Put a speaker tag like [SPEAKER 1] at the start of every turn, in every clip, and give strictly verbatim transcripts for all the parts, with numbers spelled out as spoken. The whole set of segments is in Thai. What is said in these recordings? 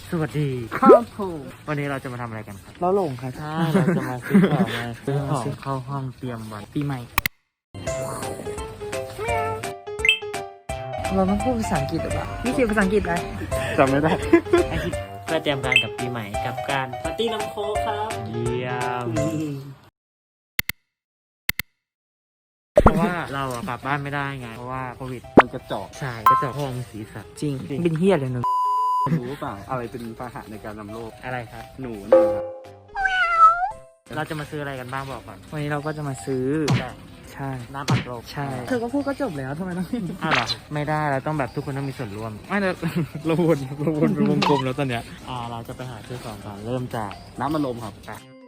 [SPEAKER 1] สวัสดี
[SPEAKER 2] ครับผม
[SPEAKER 1] วันนี้เราจะมาทำอะไรกันครับ
[SPEAKER 2] เราหลงค่ะ
[SPEAKER 1] ใช่เราจะมาซื้อของมาซื้อของเข้าห้องเตรียมวัน
[SPEAKER 2] ปีใหม่เราต้องพูดภาษาอังกฤษหรือเปล่านี่คือภาษาอังกฤษอะไร
[SPEAKER 1] จำไม่ได้ไอคิดเพื่อเตรียมการกับปีใหม่กับการปาร์ตี้น้ำโค้กครับเยี่ยมเพราะว่าเราอะกลับบ้านไม่ได้ไงเพราะว่าโควิด
[SPEAKER 3] มันกระจอก
[SPEAKER 1] ใช่กระจอกห้องสีสัตว์
[SPEAKER 2] จริงเป็นเฮี้ยเลยหนึ่ง
[SPEAKER 3] รู้เปล่าอะไรเป็นพาหะในการนำโรค
[SPEAKER 1] อะไรครับ
[SPEAKER 3] หนูนะครับ
[SPEAKER 1] เราจะมาซื้ออะไรกันบ้างบอกก่อน
[SPEAKER 2] วันนี้เราก็จะมาซื้อใช่
[SPEAKER 1] น้ำอัดลม
[SPEAKER 2] ใช่เธอก็พูดก็จบแล้วทำไมต้อง
[SPEAKER 1] อ้าวเหรอไม่ได้เราต้องแบบทุกคนต้องมีส่วนร่วมไม่เราเราวนเราวนเป็นวงกลมแล้วตอนเนี้ยอ่าเราจะไปหาซื้อของก่อนเริ่มจาก
[SPEAKER 3] น้ำมันลมครับ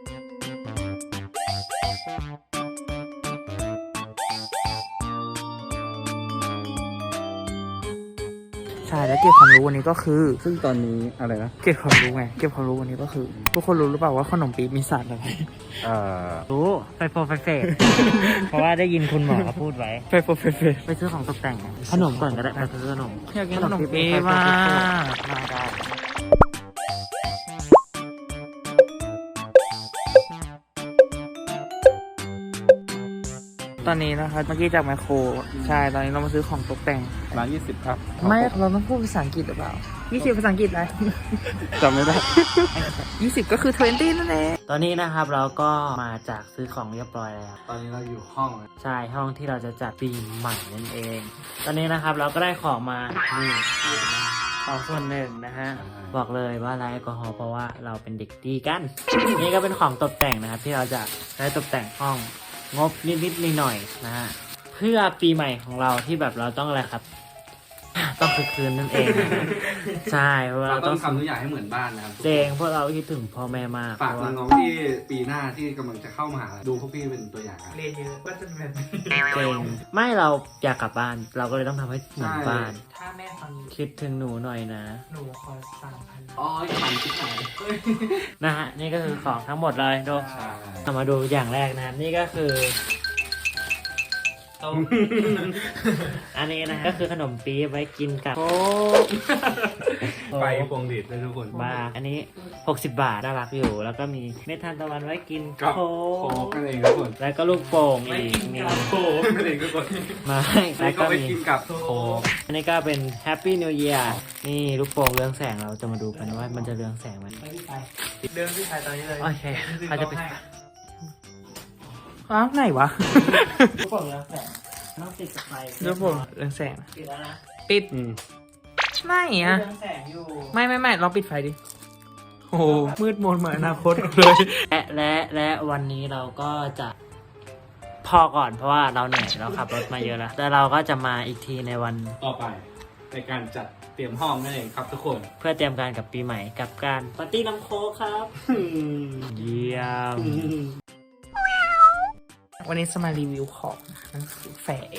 [SPEAKER 2] ใช่แล้วเก็บความรู้วันนี้ก็คือ
[SPEAKER 3] ซึ่งตอนนี้อะไรนะ
[SPEAKER 2] เก็บความรู้ไงเก็บความรู้วันนี้ก็คือทุกคนรู้หรือเปล่าว่าขนมปี๊บมีสารอะไร
[SPEAKER 3] เอ่อ
[SPEAKER 1] รู้ไฟโฟไฟเฟสเพราะว่าได้ยินคุณหมอเขาพูดไว้
[SPEAKER 2] ไฟโฟไฟเฟส
[SPEAKER 1] ไปซื้อของตกแต่งขนมก่อนก็ได้ไปซื้อขนม
[SPEAKER 2] อยากกินขนมปี๊บมาก
[SPEAKER 1] มาได้
[SPEAKER 2] ตอนนี้นะคะเมื่อกี้จากแมคโครใช่ตอนนี้เรามาซื้อของตกแต่ง
[SPEAKER 3] ร้านยี่สิบครับ
[SPEAKER 2] ไม่เราต้องพูดภาษาอังกฤษหรือเปล่ายี่สิบภาษาอังกฤษอะไร
[SPEAKER 3] จำไม่ได้
[SPEAKER 2] ยี่สิบก็คือยี่สิบนั่นเอง
[SPEAKER 1] ตอนนี้นะครับเราก็มาจากซื้อของเรียบร้อยแล้ว
[SPEAKER 3] ตอนนี้เราอยู่ห้อง
[SPEAKER 1] ใช่ห้องที่เราจะจัดปีใหม่นั่นเอง ตอนนี้นะครับเราก็ได้ของมานี่ของส่วนหนึ่งนะฮะบอกเลยว่าไร้แอลกอฮอล์เพราะว่าเราเป็นเด็กดีกันนี่ก็เป็นของตกแต่งนะครับที่เราจะใช้ตกแต่งห้องงบนิดๆหน่อยๆนะฮะเพื่อปีใหม่ของเราที่แบบเราต้องอะไรครับต้องคือคืนนั่นเองนะใช่เพราะ
[SPEAKER 3] เรา
[SPEAKER 1] เรา
[SPEAKER 3] ต้
[SPEAKER 1] ต้
[SPEAKER 3] อ
[SPEAKER 1] อง
[SPEAKER 3] งทำทุกอย่างให้เหมือนบ้านนะครับ
[SPEAKER 1] เจงพวกเราคิดถึงพ่อแม่มาก
[SPEAKER 3] ฝากน้องๆที่ปีหน้าที่กำลังจะเข้ามาดูพวกพี่เป็นตัวอย่าง
[SPEAKER 2] เรียนเยอะก็จะเป็น
[SPEAKER 1] เจงไม่เราอยากกลับบ้านเราก็เลยต้องทำให้เหมือนบ้าน
[SPEAKER 2] ถ้าแม่ฟัง
[SPEAKER 1] คิดถึงหนูหน่อยนะ
[SPEAKER 2] หนูขอสามพัน
[SPEAKER 3] อ๋อพันที่ไหน
[SPEAKER 1] นะฮะนี่ก็คือของทั้งหมดเลยดูเรามาดูอย่างแรกนะนี่ก็คืออันนี้นะก็คือขนมปี๊บไว้กินกับโค้ก
[SPEAKER 3] ไปพวงหลีดเลยทุกคน
[SPEAKER 1] บ้าอันนี้หกสิบบาทน่ารักอยู่แล้วก็มีเม็ดทานตะวันไว้กินโค้
[SPEAKER 3] กนั่นเองทุกคน
[SPEAKER 1] แล้วก็ลูกโป่งอีกมี
[SPEAKER 3] โค้กนั่นเองทุกคน
[SPEAKER 1] มาแล้วก็มี
[SPEAKER 3] กินกับโค้ก
[SPEAKER 1] อันนี้ก็เป็น Happy New Year นี่ลูกโป่งเรืองแสงเราจะมาดูกันว่ามันจะเรืองแสงไหม
[SPEAKER 2] เดินที่ถ่ายตอนนี้เลย
[SPEAKER 1] โอเคเขาจะไป
[SPEAKER 2] อ้าวไหนวะ
[SPEAKER 1] ลูกโป่งเรืองแสงต้องติดกับไฟ
[SPEAKER 2] ลูกโป่งเรืองแสง
[SPEAKER 1] ปิดแล้วนะ
[SPEAKER 2] ปิดไม่อะ
[SPEAKER 1] เรืองแสงอยู่
[SPEAKER 2] ไม่ไม่ไม่ลองปิดไฟดิโอ้มืดมนเหมือนอนาคตเลย
[SPEAKER 1] และและและวันนี้เราก็จะพอก่อนเพราะว่าเราเหนื่อยเราขับรถมาเยอะแล้วแต่เราก็จะมาอีกทีในวัน
[SPEAKER 3] ต่อไปในการจัดเตรียมห้องนั่นเองครับทุกคน
[SPEAKER 1] เพื่อเตรียมการกับปีใหม่กับการปาร์ตี้น้ำโค้กครับเยี่ยม
[SPEAKER 2] วันนี้จะมารีวิวของหนังสือแฝง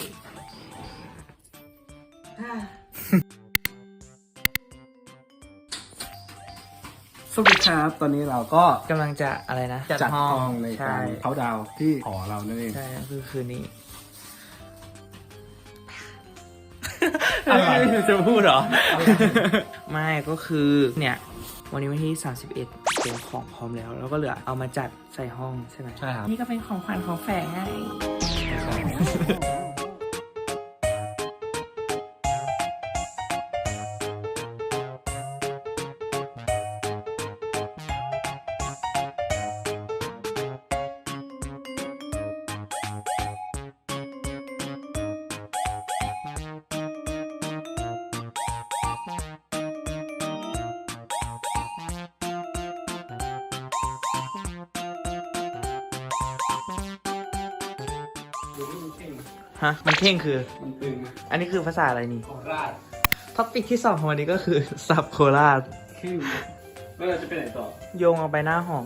[SPEAKER 3] สวัสดีครับตอนนี้เราก็
[SPEAKER 2] กำลังจะอะไรนะ
[SPEAKER 3] จัดห้องในการเขาดาวที่หอเรานั่นเอง
[SPEAKER 2] ใช่คือคืนนี้
[SPEAKER 3] อะไรจะพูดเหรอ
[SPEAKER 2] ไม่ก็คือเนี่ยวันนี้วันที่สามสิบเอ็ดเตรียมของพร้อมแล้วแล้วก็เหลือเอามาจัดใส่ห้องใช่ไหม
[SPEAKER 3] ใช่ครับ
[SPEAKER 2] นี่ก็เป็นของขวัญของแฝงไงฮะมันเท่งคือ
[SPEAKER 3] มันตึง
[SPEAKER 2] อันนี้คือภาษาอะไรนี่
[SPEAKER 3] โคราช
[SPEAKER 2] ท็อปิกที่สองของวันนี้ก็คือสับโคราช
[SPEAKER 3] แล้วเราจะไปไหนต่อ
[SPEAKER 2] โยงเอาไปหน้าหอ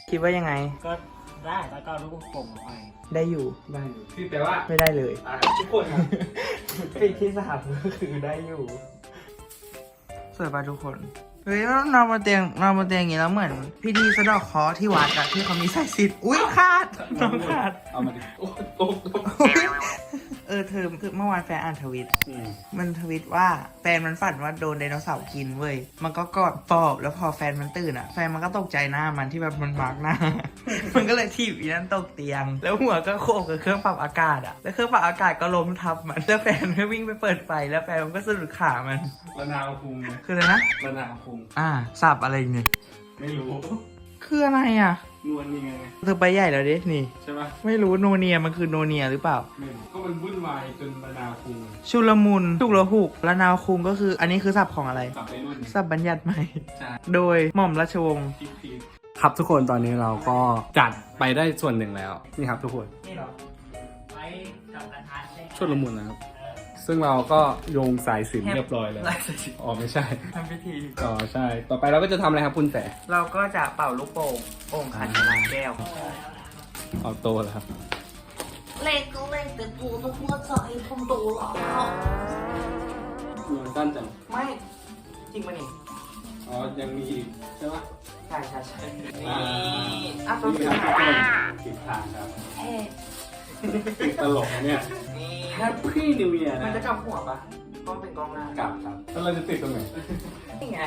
[SPEAKER 2] คิดว่ายังไง
[SPEAKER 1] ก็ได้แล้วก็ลูกผมไป
[SPEAKER 2] ได้อยู่
[SPEAKER 3] ได้อยู่พี่แปลว่า
[SPEAKER 2] ไม่ได้เลย
[SPEAKER 3] อ่ะทุกคนครับ
[SPEAKER 2] ปีที่สามก็คือได้อยู่สวยป่ะทุกคนเฮ้ยนอนบนเตียงนอนบนเตียงอย่างนี้แล้วเหมือนพิธีสะเดอกเคราะห์ที่วัดอะที่เขามีสายสิญจน์อุ้ยขาดน้องขาด
[SPEAKER 3] เอามาดิโอ้โอ้โอ้
[SPEAKER 2] เออเธอคือเมื่อวานแฟนอ่านทวิต
[SPEAKER 3] อืม
[SPEAKER 2] มันทวิตว่าแฟนมันฝันว่าโดนไดโนเสาร์กินเว้ย มันก็กอดปอบแล้วพอแฟนมันตื่นอ่ะ แฟนมันก็ตกใจหน้ามันที่แบบมันมาร์กหน้า มันก็เลยถีบอีนั่นตกเตียง แล้วหัวก็โขกกับเครื่องปรับอากาศอ่ะ แล้วเครื่องปรับอากาศก็ล้มทับมันแล้วแฟนก็วิ่งไปเปิดไฟแล้วแฟนมันก็สะดุดขามัน
[SPEAKER 3] มะนาวคุงไง
[SPEAKER 2] คืออะไรนะ
[SPEAKER 3] มะนาวคุง
[SPEAKER 2] อ่าสับอะไรเนี่ย
[SPEAKER 3] ไม่รู้
[SPEAKER 2] คืออะไรอ่ะ
[SPEAKER 3] นวลนี่ไง
[SPEAKER 2] เธอไปใหญ่แล้วดินี่
[SPEAKER 3] ใช่ปะ
[SPEAKER 2] ไม่รู้โนเนียมันคือโนเนียหรือเปล่า
[SPEAKER 3] ไม่รู้ก็มันวุ่นวายจนมะนาวคุง
[SPEAKER 2] ชุลมุนชุกระหุกละนาวคุงก็คืออันนี้คือศัพท์ของอะไร
[SPEAKER 3] กลับไปรุ่น
[SPEAKER 2] ศัพท์บัญญัติใหม่
[SPEAKER 3] ใช่
[SPEAKER 2] โดยหม่อมราชวงศ์
[SPEAKER 3] พีคพีคครับทุกคนตอนนี้เราก็จัดไปได้ส่วนหนึ่งแล้ว นี่ครับทุกคน
[SPEAKER 2] นี่เหรอ
[SPEAKER 1] ไว้กับกระทะได้
[SPEAKER 3] ชุดละมุนนะครับ ซึ่งเราก็โยงสายสิญจนเรียบร้อยแล้ว
[SPEAKER 2] ลายสจิต
[SPEAKER 3] อ๋อไม่ใช่
[SPEAKER 2] ทำพิธี
[SPEAKER 3] อ๋อใช่ ต่อไปเราก็จะทำอะไรครับคุณแต่
[SPEAKER 2] เราก็จะเป่าลูกโป่งโอ่งขันน้ำแก้ว
[SPEAKER 3] เอาโตแล้วครับ
[SPEAKER 4] เล็กก็เล็กแต่ตัวต้องหัวใจผมโตแล้ว
[SPEAKER 3] มันสั้นจัง
[SPEAKER 2] ไม่ จริงปะนี่
[SPEAKER 3] อ๋อ ยังมีอีกใช่ปะ
[SPEAKER 2] ใช่ใช่ใช่
[SPEAKER 3] อ่า
[SPEAKER 2] อ่ะตัว
[SPEAKER 3] นี่
[SPEAKER 2] ที่
[SPEAKER 3] ครับ
[SPEAKER 2] ไหน
[SPEAKER 3] ทุกคนผิดทางครับ
[SPEAKER 4] เอ๊ะ
[SPEAKER 3] ตลกนะเนี่ย
[SPEAKER 2] นี่
[SPEAKER 3] Happy New Year
[SPEAKER 2] มัน
[SPEAKER 3] นะ
[SPEAKER 2] จะกลับหัวปะกล้องเป็นกล้องหน้าก
[SPEAKER 3] ลับครับแล้วเราจะติดตรงไหน
[SPEAKER 2] นี่ไง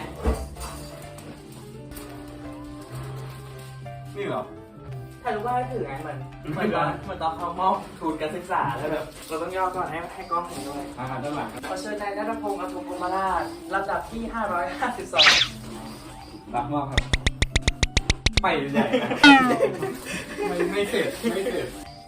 [SPEAKER 3] นี่เหรอ
[SPEAKER 2] ถ่ายรูปว่าให้ถือไงเหมือนเหมือนตอนเหมือนตอนเขามอบทุนการศึกษาแล้วแบบเราต้องย่อก่อนให้ให้กล้องเห็นด้วย
[SPEAKER 3] อาหารด้านหลังครับ
[SPEAKER 2] ขอเชิญนายนัทพงศ์อธุมพรหมราชลำดับที่ห้าร้อยห้าสิบสอง
[SPEAKER 3] รับมอบครับ ไปใหญ่นะไม่ไม่เสร็จ ไม่เสร็จ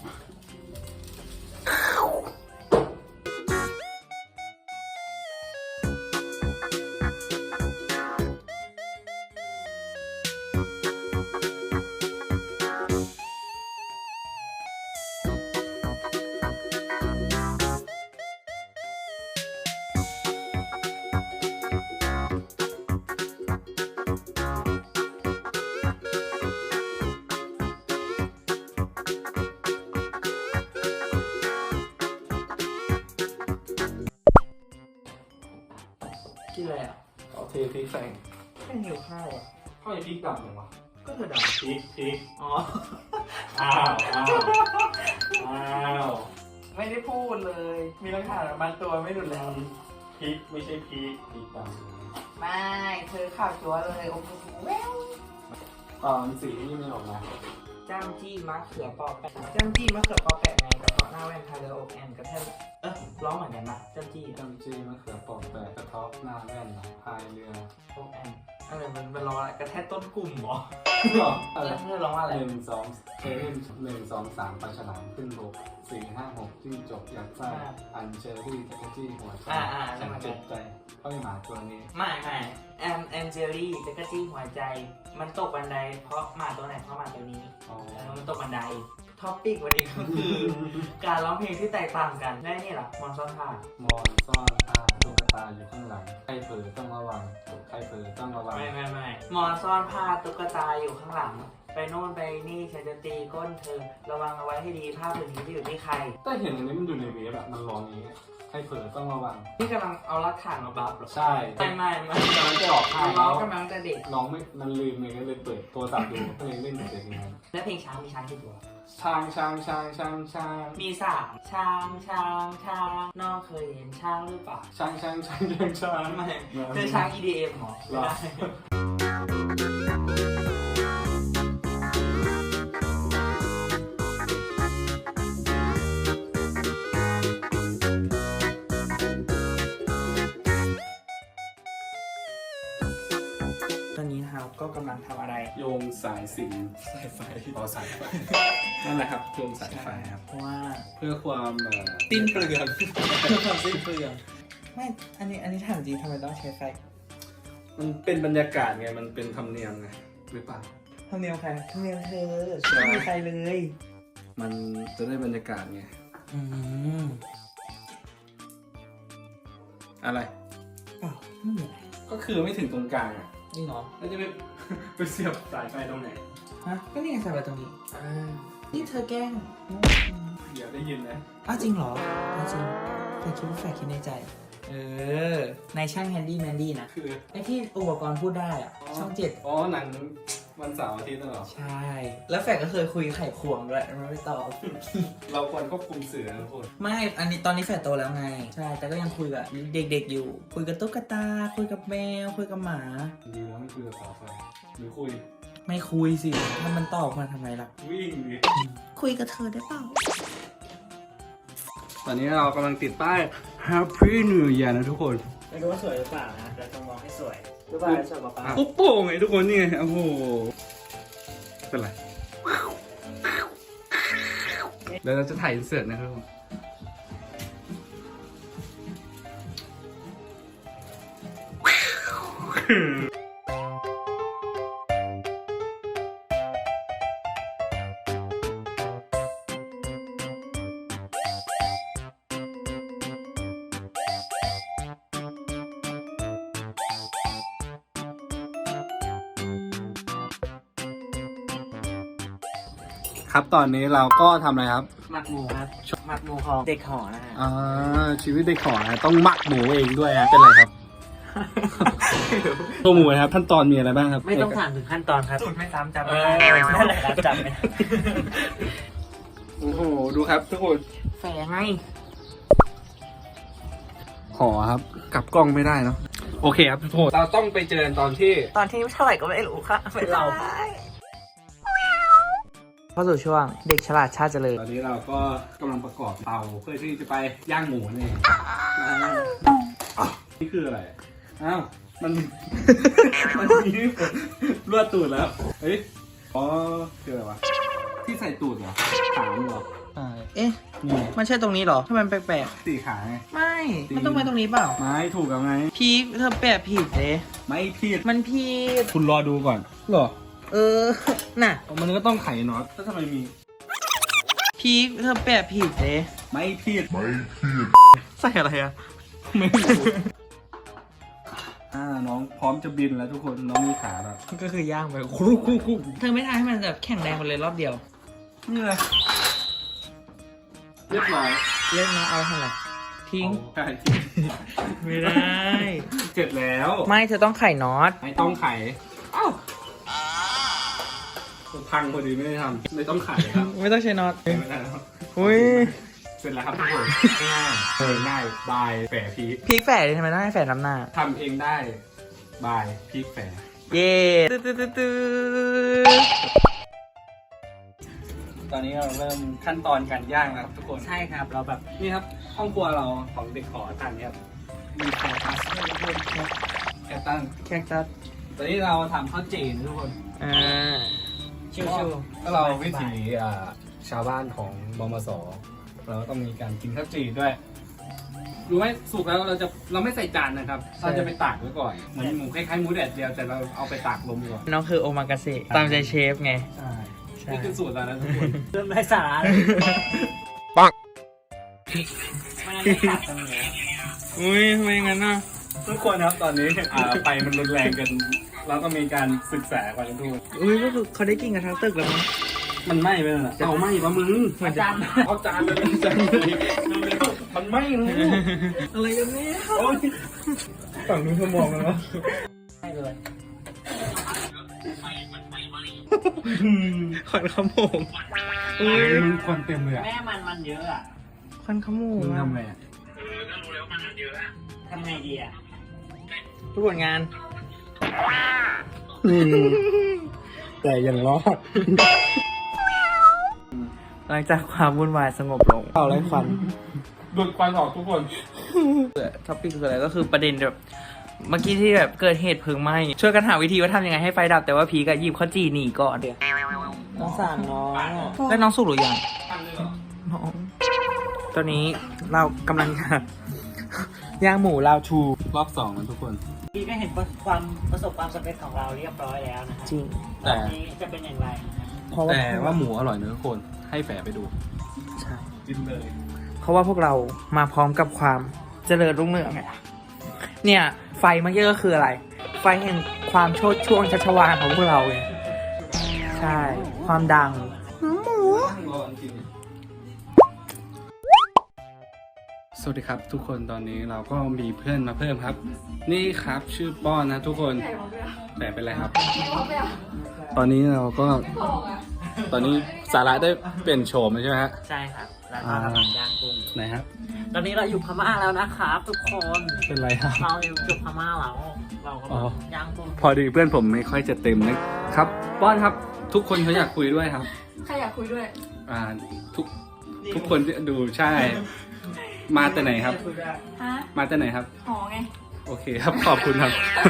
[SPEAKER 2] กินอะไรอ่ะ
[SPEAKER 3] เอาเทพริกใส่
[SPEAKER 2] แค่หิวข้าวอ่ะ
[SPEAKER 3] ข้าวยังพริกดำยังวะ
[SPEAKER 2] ก็เธอด่า
[SPEAKER 3] พริกพริก
[SPEAKER 2] อ๋อ
[SPEAKER 3] อ้าวอ้าวอ้าว
[SPEAKER 2] ไม่ได้พูดเลย มีหลักฐานบางตัวไม่ดุแล้ว
[SPEAKER 3] พริกไม่ใช่พริกพริกด
[SPEAKER 2] ไม่ เธอข่าวชัวร์เลย โอ้โหแวว
[SPEAKER 3] ำตอนสีนี่ไม่ออกมา
[SPEAKER 2] จ้ำจี้มะเขือปอแปะจ้ำจี้มะเขือปอแปะไงกระเพาะหน้าแว่นทาเรืออกแอนกระแทกเออร้องเหมือนกันปะจ้ำจี้
[SPEAKER 3] จำจีมะเขือปอกแปะกระเทาะหน้าแว่นพายเรือ
[SPEAKER 2] อกแอนอะไรมันมันร้องอะไรกระแทกต้นกลุ่มเหรอ
[SPEAKER 3] หรอ
[SPEAKER 2] แล้วเธอร้องว่าอะไร
[SPEAKER 3] หนึ่งสองเอหนึ่งสองสามปลาฉลามขึ้นบกสี่ห้าหกจิ้งจกยักษ์ไส้อันเชอรี่จักรจี้หัวใจฉันเจ็บใจก็ไม่หมาตัวนี้
[SPEAKER 2] ไม่ไม่แอมแอนเจลี่จักรจี้หัวใจ มันตกบันไดเพราะหมาตัวไหนเพราะหมาตัวนี้
[SPEAKER 3] อ๋อ
[SPEAKER 2] เออมันตกบันไดท็อปิกวันนี้ก็คือ การร้องเพลงที่แตกต่างกันและนี่เหรอมอนซ่อนท่าม
[SPEAKER 3] อนซ่อนผ้าตุ๊กตาอยู่ข้างหลังใครเผลอต้องระวังใครเผลอต้องระวัง
[SPEAKER 2] ไม่ไม่ไม่มอนซ่อนผ้าตุ๊กตาอยู่ข้างหลัง ไปโน่นไปนี่ฉันจะตีก้นเธอระวังเอาไว้ให้ดีผ้าผืนนี้จะอยู่ที่ใคร
[SPEAKER 3] แต่เห็นอันนี้มันอยู่ในเว็บอะมันร้องอย่างนี้ใครเผลอต้องระวัง
[SPEAKER 2] นี่กำลังเอารักฐานมาบัฟเหรอ
[SPEAKER 3] ใช่
[SPEAKER 2] ไม่ไม่ไม่
[SPEAKER 3] กำลังจะออกค่าย
[SPEAKER 2] ร้
[SPEAKER 3] แล้
[SPEAKER 2] อง
[SPEAKER 3] ว
[SPEAKER 2] กำลังจะเด็ก
[SPEAKER 3] ร้องไม่มันลืมเลยก็เลยเปิดโทรศัพท์ดูก็เลยเล่นแต่เพลงนั้น
[SPEAKER 2] และเพลงช้างมีช้างกี่ตัว
[SPEAKER 3] ช้างช้างช้างช้างช้าง
[SPEAKER 2] มีสามช้างช้างช้างน้องเคยเห็นช้างหรือเปล่า
[SPEAKER 3] ช้างช้างช้างช้างช้าง
[SPEAKER 2] ไม่เจอช้าง อี ดี เอ็ม เหรอ
[SPEAKER 3] หรอ
[SPEAKER 2] ไม่ได้ ตอนนี้นะครับก็กำลังทำอะไร
[SPEAKER 3] โยงสายสิญจนสายไฟอ๋อสายไฟนั่นแหละครับโยงสายไฟครับ
[SPEAKER 2] เพราะว่า
[SPEAKER 3] เพื่อความเอ่อ
[SPEAKER 2] สิ้นเปลืองเพื่อความสิ้นเปลืองไม่ อันนี้อันนี้ถามจริงทำไมต้องใช้ไฟ
[SPEAKER 3] มันเป็นบรรยากาศไงมันเป็นธรรมเนียมไงหรือเปล่า
[SPEAKER 2] ทำเนียมใครทำเนียมเธอ
[SPEAKER 3] ใช่
[SPEAKER 2] ไม่มีใครเลย
[SPEAKER 3] มันจะได้บรรยากาศไง
[SPEAKER 2] อืม
[SPEAKER 3] อะไร
[SPEAKER 2] อ้าวไม่มีอะไร
[SPEAKER 3] ก็คือไม่ถึงตรงกลางอ่ะ
[SPEAKER 2] นี่เหรอ
[SPEAKER 3] แล้วจะไป ไปเสียบสายไฟตรงไหน
[SPEAKER 2] ฮะก็นี่ไงใส่ไว้ตรงนี้นี่เธอแกล้ง
[SPEAKER 3] เดี๋ยวได้ยินนะ
[SPEAKER 2] อ้าวจริงเหรออ้าวจริงแฟนคิดว่าแฟนคิดในใจ เออ ในช่างแฮนดี้แมนดี้นะ
[SPEAKER 3] คือ
[SPEAKER 2] ไอที่อุปกรณ์พูดได้อะช่องเจ็ด
[SPEAKER 3] อ๋อหนังวันเสาร์อาทิตย์นั่นเหรอ
[SPEAKER 2] ใช่ แล้วแฟนก็เคยคุยไข่ควงด้วยมันไม่ตอบ
[SPEAKER 3] เราควรควบคุมสื่อนะทุกคน
[SPEAKER 2] ไม่ อันนี้ตอนนี้แฟนโตแล้วไง ใช่ แต่ก็ยังคุยกับเด็กๆอยู่ คุยกับตุ๊กตา คุยกับแมว คุยกับหมา
[SPEAKER 3] ดีแล้วไม่คุยกับสาวแฟนหรือคุย
[SPEAKER 2] ไม่คุยสิ ถ้ามันตอบมาทำไมล่ะ
[SPEAKER 3] วิ่งดิ
[SPEAKER 2] คุยกับเธอได้เปล่า
[SPEAKER 3] ตอนนี้เรากำลังติดป้าย Happy New Year นะทุกคน
[SPEAKER 1] ไม่รู้ว่าสวยหรือเปล่านะแต่ต้องมองให้สวยหรือเปล่าสวยกว่าป้า
[SPEAKER 3] ปุ๊บโป่งไงทุกคนนี่ไงโอ้โหเป็นไรเดี๋ยวเราจะถ่ายอินเสิร์ตนะครับทุกคนครับตอนนี้เราก็ทำอะไรครับ
[SPEAKER 1] หมักหมูครับหมักหมูของเด็กหอนะฮะ
[SPEAKER 3] อ่าชีวิตเด็กขอนะต้องหมักหมูเองด้วยนะเป็นไรครับ ตัวหมูนะครับขั้นตอนมีอะไรบ้างครับ
[SPEAKER 1] ไม่ต้องถามถึงขั้นตอนครับ
[SPEAKER 2] สูตรไม่ซ้ำจำ
[SPEAKER 1] เอ
[SPEAKER 2] ไม่
[SPEAKER 1] อ
[SPEAKER 2] ได้
[SPEAKER 1] นั่นแหละครับจำไม่ได้
[SPEAKER 3] โอ้โหดูครับทุกคน
[SPEAKER 2] แฝงไง
[SPEAKER 3] ขอครับกลับกล้องไม่ได้เนาะโอเคครับทุกคนเราต้องไปเจอกันตอนที่
[SPEAKER 2] ตอนที่เท่าไหร่ก็ไม่รู้ค่ะเป็นเราเข้าสู่ช่วงเด็กฉลาดชาติเจริญ
[SPEAKER 3] ตอนนี้เราก็กำลังประกอบเตาเพื่อที่จะไปย่างหมูนั่นเองอ้าวนี่คืออะไรอ้าวมัน มันมีรวดตูดแล้วเฮ้ยอ๋อคืออะไรวะที่ใส่ตูดเหรอขางเหรอ
[SPEAKER 2] เอ๊ะ
[SPEAKER 3] นี่
[SPEAKER 2] มันใช่ตรงนี้เหรอทำไมมันแปลก
[SPEAKER 3] สี่ขาไง
[SPEAKER 2] ๆ ไม่ มันต้องไปตรงนี้เปล่า
[SPEAKER 3] ไม้ถูกแล้วไง
[SPEAKER 2] พีคเธอแปะผิดเลย
[SPEAKER 3] ไม่ผิด
[SPEAKER 2] มันผิด
[SPEAKER 3] คุณรอดูก่อนเหรอ
[SPEAKER 2] เออ น่ะ
[SPEAKER 3] มันก็ต้องไขน็อตแล้วทำไมมี
[SPEAKER 2] พีคเธอแปะผิดเลย
[SPEAKER 3] ไม่ผิด
[SPEAKER 2] ใส่อะไรอะ
[SPEAKER 3] ไม่รู้อ่าน้องพร้อมจะบินแล้วทุกคนน้องมีขาแล้ว
[SPEAKER 2] ก็คือย่างไปครุกครุกครุกเธอไม่ทำให้มันแบบแข็งแรงไปเลยรอบเดียว
[SPEAKER 3] นี่เลยเรียบร้อย
[SPEAKER 2] เล่นนะเอาทำอะไรทิ้ง
[SPEAKER 3] ใช่
[SPEAKER 2] ไม่ได้
[SPEAKER 3] เสร็จแล้ว
[SPEAKER 2] ไม่เธอต้องไข่น็อต
[SPEAKER 3] ไม่ต้องไขอ้าวพังพอดีไม่ได้ทำไม่ต้องไขครับ
[SPEAKER 2] ไม่ต้องใช้น็อต
[SPEAKER 3] ไม่ได้ครับ
[SPEAKER 2] อุ้ย
[SPEAKER 3] เสร็จแล้วครับทุกคนง่ายเออง่ายบายแฝพีค
[SPEAKER 2] พีคแฝดเลยทำไมต้องให้แฝดน้ำหน้า
[SPEAKER 3] ทำเองได้บายพีคแฝ
[SPEAKER 2] เย้ตื้อตื้อตื้อตื้อ
[SPEAKER 3] ตอนนี้เราเริ่มขั้นตอนการย่างแล้วครับทุกคน
[SPEAKER 1] ใช่ครับเราแบบ
[SPEAKER 3] นี่ครับห้องครัวเราของเด็กขอทานเนี่ยครับมีแคตัสด้วยทุกคนแคตัน
[SPEAKER 2] แคคตัส
[SPEAKER 3] ตอนนี้เราทำข้าวจีนทุกคน
[SPEAKER 2] อ่าชิว
[SPEAKER 3] ก็เราวิถีอ่าชาวบ้านของบมสเราก็ต้องมีการกินข้าวจีนด้วยรู้ไหมสุกแล้วเราจะเราไม่ใส่จานนะครับ เราจะไปตากไว้ก่อน เหมือนหมูคล้ายๆหมูแดดเดียวแต่เราเอาไปตากลมก่อน
[SPEAKER 2] ๆน้องคือโอมากาเสะตามใจเชฟไง
[SPEAKER 3] ใช่
[SPEAKER 2] ใช่
[SPEAKER 3] นี่คือสูตรเรานะทุกคน
[SPEAKER 1] เริ่มได้สาระ
[SPEAKER 3] ปัง
[SPEAKER 1] มันไม่ตัดตรงนี้
[SPEAKER 2] อุ้ยทำไมงั้นน่ะ
[SPEAKER 3] ทุกคนครับตอนนี้อ่าไฟมันรุนแรงกันเราก็มีการศึกษากันทุกคน
[SPEAKER 2] อุ้ยก็คือเขาได้กินกันทั้งตึกแล้วมั้ง
[SPEAKER 3] มันไหม้ไปแล้วนะเอาไหม้ปะมึง
[SPEAKER 2] เหมือนจะ
[SPEAKER 3] เอาจานเลยจานเลยมันไหม้เลย
[SPEAKER 2] อะไรกันเนี่ย
[SPEAKER 3] โอ้ยฝั่งนู้นเขามองกันแล้ว
[SPEAKER 1] ให้เลย
[SPEAKER 2] ควันขโมงอุ้ย
[SPEAKER 3] มึงควันเต็มเลยอ่ะ
[SPEAKER 1] แม่มันมันเยอะอ่ะ
[SPEAKER 2] ควันขโมง
[SPEAKER 3] มึง
[SPEAKER 2] อะ
[SPEAKER 3] ทำไงอ่ะ
[SPEAKER 1] ทำไงดีอ่ะ
[SPEAKER 2] ทุกผลงาน
[SPEAKER 3] แต่ยังรอด
[SPEAKER 2] หลังจากความวุ่นวายสงบลงเป่าไรควัน
[SPEAKER 3] ดูดควันออกทุกคน
[SPEAKER 2] ท็อปิกคืออะไรก็คือประเด็นแบบเมื่อกี้ที่แบบเกิดเหตุเพลิงไหม้ช่วยกันหาวิธีว่าทำยังไงให้ไฟดับแต่ว่าพีก็หยิบข้าวจี่หนีก่อนน้องสามน้องแล้วน้องสุกหรือยังน้องตอนนี้เรากำลังจะย่างหมูลาวชู
[SPEAKER 3] รอบสองนะทุกคน
[SPEAKER 1] พี่ก็เห็นความประสบความสำเร็จของเราเรียบร้อยแล้วนะฮะ
[SPEAKER 2] จริง
[SPEAKER 1] ตอนนี้จะเป็นอย่างไรนะฮะ
[SPEAKER 2] เพราะว่า
[SPEAKER 3] แต่ว่าหมูอร่อยนะทุกคนให้แฝไปดู
[SPEAKER 2] ใช่
[SPEAKER 3] กินเลย
[SPEAKER 2] เพราะว่าพวกเรามาพร้อมกับความเจริญรุ่งเรืองไงเนี่ยไฟเมื่อกี้ก็คืออะไร ไฟแห่งความโชดช่วงชัชวาลของพวกเราไงใช่ใช่ ความดัง
[SPEAKER 3] สวัสดีครับทุกคนตอนนี้เราก็มีเพื่อนมาเพิ่มครับ นี่ครับชื่อป้อนนะทุกคนแต่เป็นไรครับ ตอนนี้เราก็ตอนนี้สาระได้เปลี่ยนโฉมแล้วใช่ไหมฮะ
[SPEAKER 1] ใช่ครับแล้วก็กำลังย่างกุ้ง
[SPEAKER 3] ไหนครับ
[SPEAKER 1] ตอนนี้เราอยู่พม่าแล้วนะครับทุกคน
[SPEAKER 3] เป็นไรครับ
[SPEAKER 1] เราอยู่พม่าแล้วเราก็
[SPEAKER 3] อ๋อ
[SPEAKER 1] ย่างกุ้ง
[SPEAKER 3] พอดีเพื่อนผมไม่ค่อยจะเต็มนะครับป้อนครับ ทุกคนเขาอยากคุยด้วยครับ
[SPEAKER 5] ใครอยากคุยด้วย
[SPEAKER 3] อ่าทุกทุกคนที่ดูใช่ มาแต่ไหนครับ
[SPEAKER 5] ฮะ
[SPEAKER 3] มาแต่ไหนครับ
[SPEAKER 5] หอไง
[SPEAKER 3] โอเคครับขอบคุณครับ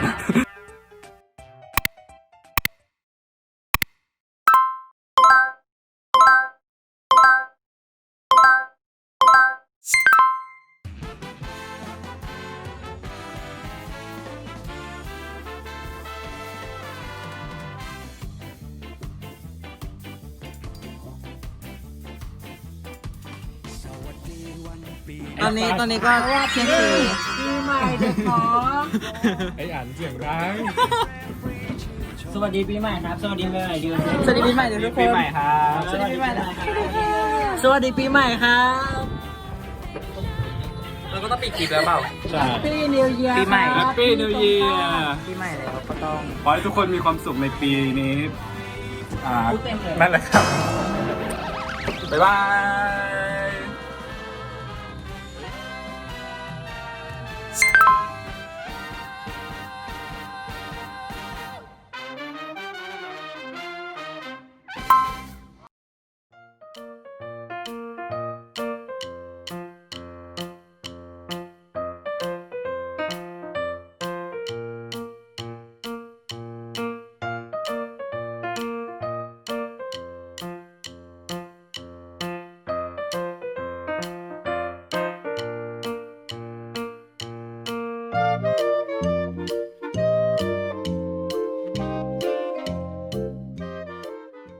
[SPEAKER 2] ตอนนี้ตอนนี้ก็เที่ยงคืน
[SPEAKER 5] ปีใหม่เด็กหอ
[SPEAKER 3] ไอ้อ่านเสียงดัง
[SPEAKER 1] สวัสดีปีใหม่ครับสวัสดีปีใหม่ดิว
[SPEAKER 2] สวัสดีปีใหม่ทุกคน
[SPEAKER 3] ปีใหม่ครับ
[SPEAKER 2] สวัสดีปีใหม่นะสวัสดีปีใหม่ครับ
[SPEAKER 3] เราก็ต้องปิดคลิปแล้วเปล่าใช่
[SPEAKER 5] ปีนิวเยียร์
[SPEAKER 2] ปีใหม่
[SPEAKER 3] แฮปปี้นิวเยียร์
[SPEAKER 2] ปีใหม่แล้วก็ต้อง
[SPEAKER 3] ขอให้ทุกคนมีความสุขในปีนี้ อ่า
[SPEAKER 2] พูดเต็มเลย
[SPEAKER 3] นั่นแหละครับ บ๊ายบาย